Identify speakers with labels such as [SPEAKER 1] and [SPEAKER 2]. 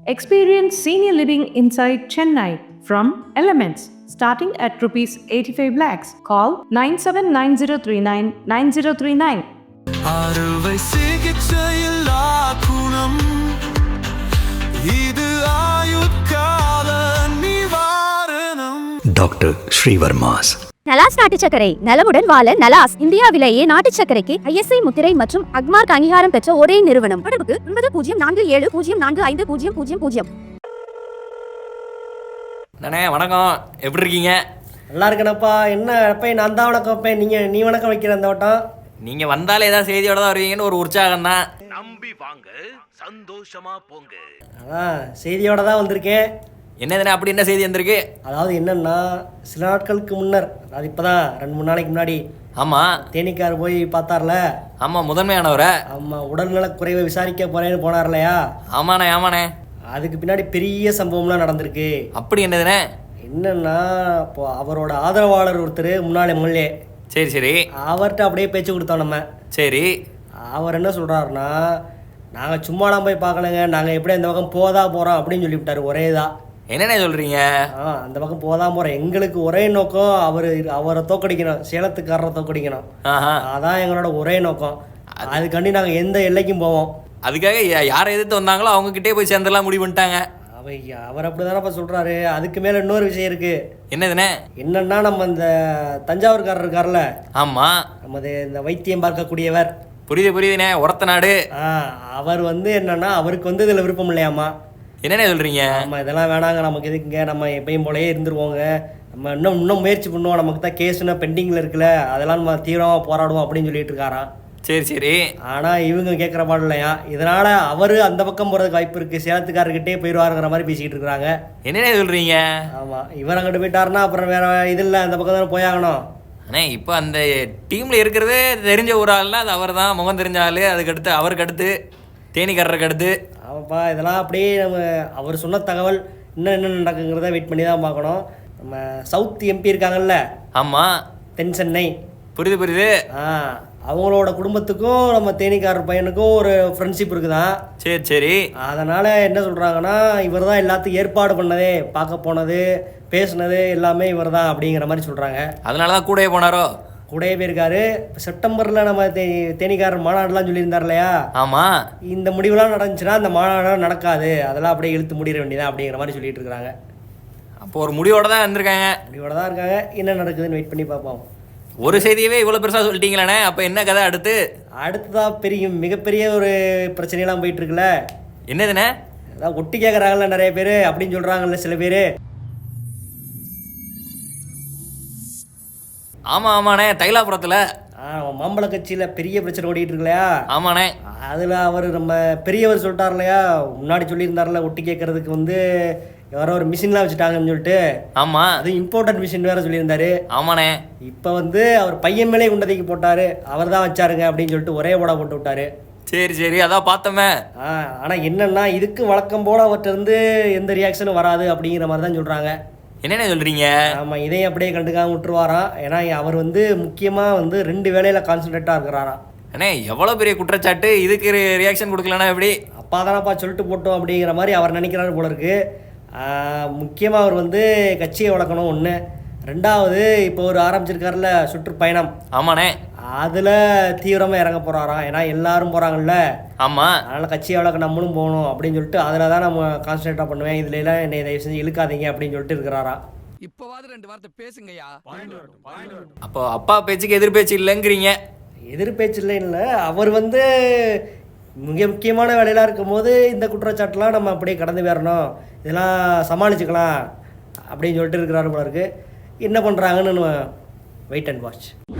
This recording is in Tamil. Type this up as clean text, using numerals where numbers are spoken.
[SPEAKER 1] Experience senior living inside Chennai from Elements starting at rupees 85 lakhs. Call 9790399039.
[SPEAKER 2] அறுவை சிகிச்சையில்லா குணம் இது ஆயுட்கால நிவாரணம்.
[SPEAKER 3] டாக்டர் ஸ்ரீவர்மாஸ்.
[SPEAKER 4] நலாஸ் நாட்டு சர்க்கரை நலமுடன் வாழ நலாஸ் இந்தியாவிலேயே நாட்டு சர்க்கரைக்கு ஐஎஸ்ஐ முத்திரை மற்றும் அக்மார்க் அங்கீகாரம் பெற்ற ஒரே நிறுவனம். தொடர்புக்கு 9047045000.
[SPEAKER 5] அண்ணே வணக்கம், எப்படி இருக்கீங்க?
[SPEAKER 6] நல்லா இருக்கேனப்பா. என்ன அப்போ நான் தான் வணக்கம் வைப்பேன், நீ வணக்கம் வைக்கிற அந்த வட்டம்.
[SPEAKER 5] நீங்க வந்தாலே ஏதாவது செய்தியோட தான் வருவீங்கன்னு ஒரு உற்சாகம் தான்.
[SPEAKER 7] நம்பி வாங்க, சந்தோஷமா போங்க.
[SPEAKER 6] அதான் செய்தியோட தான் வந்திருக்கேன்.
[SPEAKER 5] என்னதுண்ணே அப்படி என்ன செய்தி வந்திருக்கு?
[SPEAKER 6] அதாவது என்னன்னா, சில நாட்களுக்கு முன்னர், அது இப்போதான் 2-3 நாளைக்கு முன்னாடி
[SPEAKER 5] ஆமாம்,
[SPEAKER 6] தேனிக்கார் போய் பார்த்தார்ல.
[SPEAKER 5] ஆமாம், முதன்மையானவரை.
[SPEAKER 6] ஆமாம், உடல்நலக் குறைவை விசாரிக்க போறேன்னு போனார் இல்லையா?
[SPEAKER 5] ஆமாண்ணே ஆமாண்ணே.
[SPEAKER 6] அதுக்கு பின்னாடி பெரிய சம்பவம்லாம் நடந்திருக்கு.
[SPEAKER 5] அப்படி என்னதுண்ணே?
[SPEAKER 6] என்னன்னா, இப்போ அவரோட ஆதரவாளர் ஒருத்தர், முன்னாள் எம்எல்ஏ.
[SPEAKER 5] சரி சரி.
[SPEAKER 6] அவர்கிட்ட அப்படியே பேச்சு கொடுத்தோம் நம்ம.
[SPEAKER 5] சரி.
[SPEAKER 6] அவர் என்ன சொல்கிறாருன்னா, நாங்கள் சும்மாலாம் போய் பார்க்கலங்க, நாங்கள் எப்படி அந்த பக்கம் போகிறோம் அப்படின்னு சொல்லிவிட்டார். ஒரே தான்.
[SPEAKER 5] என்னண்ணே சொல்கிறீங்க?
[SPEAKER 6] அந்த பக்கம் போகிறோம். எங்களுக்கு ஒரே நோக்கம், அவரை தோக்கடிக்கணும், சேலத்துக்காரரை தோக்கடிக்கணும். அதான் எங்களோட ஒரே நோக்கம். அதுக்காண்டி நாங்கள் எந்த எல்லைக்கும் போவோம்.
[SPEAKER 5] அதுக்காக யாரை எதிர்த்து வந்தாங்களோ அவங்ககிட்டே போய் சேர்ந்தெல்லாம் முடிவு பண்ணிட்டாங்க.
[SPEAKER 6] அவர் அப்படி தானப்பா சொல்கிறாரு. அதுக்கு மேலே இன்னொரு விஷயம் இருக்குது.
[SPEAKER 5] என்னதுண்ணே?
[SPEAKER 6] என்னன்னா, நம்ம இந்த தஞ்சாவூர்காரர் இருக்கார்ல.
[SPEAKER 5] ஆமாம்,
[SPEAKER 6] நமது இந்த வைத்தியம் பார்க்கக்கூடியவர்.
[SPEAKER 5] புரியுதுண்ணே, உரத்த நாடு.
[SPEAKER 6] அவர் என்னன்னா, அவருக்கு இதில் விருப்பம் இல்லையாம்மா.
[SPEAKER 5] என்னண்ணே சொல்கிறீங்க?
[SPEAKER 6] நம்ம இதெல்லாம் வேணாங்க, நமக்கு எதுக்குங்க, நம்ம எப்பயும் போலயே இருந்துருவோங்க, நம்ம இன்னும் முயற்சி பண்ணுவோம், நமக்கு தான் கேஸ்னா பெண்டிங்கில் இருக்குல்ல, அதெல்லாம் நம்ம தீவிரமாக போராடுவோம் அப்படின்னு சொல்லிட்டு இருக்காராம்.
[SPEAKER 5] சரி சரி.
[SPEAKER 6] ஆனால் இவங்க கேட்குற பாடு இல்லையா, இதனால் அவர் அந்த பக்கம் போகிறதுக்கு வாய்ப்பு இருக்குது, சேலத்துக்காரர்கிட்டே போயிடுவாருங்கிற மாதிரி பேசிக்கிட்டு இருக்கிறாங்க.
[SPEAKER 5] என்னண்ணே சொல்கிறீங்க?
[SPEAKER 6] ஆமாம், இவர் அங்கிட்டு போயிட்டாருன்னா அப்புறம் வேறு இது இல்லை, அந்த பக்கம் தானே போயாகணும்.
[SPEAKER 5] அண்ணே இப்போ அந்த டீமில் இருக்கிறதே தெரிஞ்ச ஒரு ஆள்னா அது அவர் தான், முகம் தெரிஞ்ச ஆள். அதுக்கடுத்து அவருக்கு அடுத்து தேனிக்காரருக்கு அடுத்து.
[SPEAKER 6] ஆமாப்பா, இதெல்லாம் அப்படியே நம்ம அவர் சொன்ன தகவல் இன்னும் என்ன நடக்குங்கிறத வெயிட் பண்ணி தான் பார்க்கணும். நம்ம சவுத் எம்பி இருக்காங்கல்ல.
[SPEAKER 5] ஆமாம்,
[SPEAKER 6] தென் சென்னை.
[SPEAKER 5] புரியுது.
[SPEAKER 6] அவங்களோட குடும்பத்துக்கும் நம்ம தேனிக்காரர் பையனுக்கும் ஒரு ஃப்ரெண்ட்ஷிப் இருக்குதான்.
[SPEAKER 5] சரி சரி.
[SPEAKER 6] அதனால் என்ன சொல்கிறாங்கன்னா, இவர் தான் எல்லாத்துக்கும் ஏற்பாடு பண்ணதே, பார்க்க போனது, பேசுனது எல்லாமே இவர் தான் அப்படிங்கிற மாதிரி சொல்கிறாங்க.
[SPEAKER 5] அதனால தான் கூடவே போனாரோ?
[SPEAKER 6] கூடவே போயிருக்காரு. செப்டம்பரில் நம்ம தேனிக்காரர் மாநாடுலாம் சொல்லியிருந்தார் இல்லையா? ஆமாம். இந்த முடிவுலாம் நடந்துச்சுன்னா அந்த மாநாடு நடக்காது, அதெல்லாம் அப்படியே இழுத்து முடிட வேண்டியதான் அப்படிங்கிற மாதிரி சொல்லிட்டு இருக்கிறாங்க.
[SPEAKER 5] அப்போ ஒரு முடிவோட தான் வந்திருக்காங்க.
[SPEAKER 6] முடிவோட தான் இருக்காங்க. என்ன நடக்குதுன்னு வெயிட் பண்ணி பார்ப்போம்.
[SPEAKER 5] ஒரு செய்தியவே இவ்வளோ பெருசாக சொல்லிட்டீங்களாண்ணே, அப்போ என்ன கதை
[SPEAKER 6] அடுத்ததான் மிகப்பெரிய ஒரு பிரச்சனையெல்லாம் போயிட்டு இருக்குல்ல.
[SPEAKER 5] என்னதுண்ணே?
[SPEAKER 6] அதான் ஒட்டி கேட்குறாங்கல்ல நிறைய பேர் அப்படின்னு சொல்கிறாங்கல்ல சில பேர்.
[SPEAKER 5] ஆமாம் ஆமாண்ணே, தைலாபுரத்தில்
[SPEAKER 6] மாம்பழ கட்சியில் பெரிய பிரச்சனை ஓடிட்டு இருக்கு இல்லையா?
[SPEAKER 5] ஆமாண்ணே.
[SPEAKER 6] அதில் அவர் நம்ம பெரியவர் சொல்லிட்டார் இல்லையா, முன்னாடி சொல்லியிருந்தார்ல, ஒட்டி கேட்கறதுக்கு யாரோ ஒரு மிஷின்லாம் வச்சுட்டாங்கன்னு சொல்லிட்டு. ஆமாம், அது இம்போர்ட்டன்ட் மிஷின் வேறு சொல்லியிருந்தாரு.
[SPEAKER 5] ஆமாண்ணே.
[SPEAKER 6] இப்போ அவர் பையன் மேலே குண்டதைக்கு போட்டார், அவர் தான் வச்சாருங்க அப்படின்னு சொல்லிட்டு ஒரே போட போட்டு விட்டாரு.
[SPEAKER 5] சரி சரி, அதான் பார்த்தோமே.
[SPEAKER 6] ஆனால் என்னன்னா, இதுக்கு வழக்கம் போல் அவர்கிட்ட எந்த ரியாக்ஷனும் வராது அப்படிங்கிற மாதிரி தான் சொல்கிறாங்க.
[SPEAKER 5] என்னென்ன சொல்கிறீங்க?
[SPEAKER 6] ஆமாம், இதையும் அப்படியே கண்டுக்காம விட்டுருவாராம். ஏன்னா அவர் முக்கியமாக 2 வேலையில் கான்சன்ட்ரேட்டாக இருக்கிறாராம்.
[SPEAKER 5] அண்ணே எவ்வளோ பெரிய குற்றச்சாட்டு, இதுக்கு ரியாக்ஷன் கொடுக்கலன்னா எப்படி?
[SPEAKER 6] அப்பா தானப்பா சொல்லிட்டு போட்டோம் அப்படிங்கிற மாதிரி அவர் நினைக்கிறாரு போல இருக்கு. முக்கியமாக அவர் கட்சியை வளர்க்கணும் ஒன்று. 2வது, இப்போ ஒரு ஆரம்பிச்சிருக்காருல சுற்றுப்பயணம்.
[SPEAKER 5] ஆமாண்ணே.
[SPEAKER 6] அதில் தீவிரமாக இறங்க போகிறாராம். ஏன்னா எல்லாரும் போகிறாங்கல்ல.
[SPEAKER 5] ஆமாம்.
[SPEAKER 6] அதனால் கட்சியை வளர்க்க நம்மளும் போகணும் அப்படின்னு சொல்லிட்டு அதில் தான் நம்ம கான்சன்ட்ரேட்டாக பண்ணுவேன், இதுல எல்லாம் என்னை தயவு செஞ்சு இழுக்காதீங்க அப்படின்னு சொல்லிட்டு இருக்கிறாராம்.
[SPEAKER 7] இப்போவாது 2 வார்த்தை பேசுங்கய்யா.
[SPEAKER 5] அப்போ அப்பா பேச்சுக்கு எதிர்பேச்சு இல்லைங்கிறீங்க?
[SPEAKER 6] எதிர்பேச்சு இல்லை, அவர் மிக முக்கியமான வேலையெல்லாம் இருக்கும்போது இந்த குற்றச்சாட்டுலாம் நம்ம அப்படியே கடந்து வரணும், இதெல்லாம் சமாளிச்சுக்கலாம் அப்படின்னு சொல்லிட்டு இருக்கிறாரு போல இருக்கு. என்ன பண்ணுறாங்கன்னு நம்ம வெயிட் அண்ட் வாட்ச்.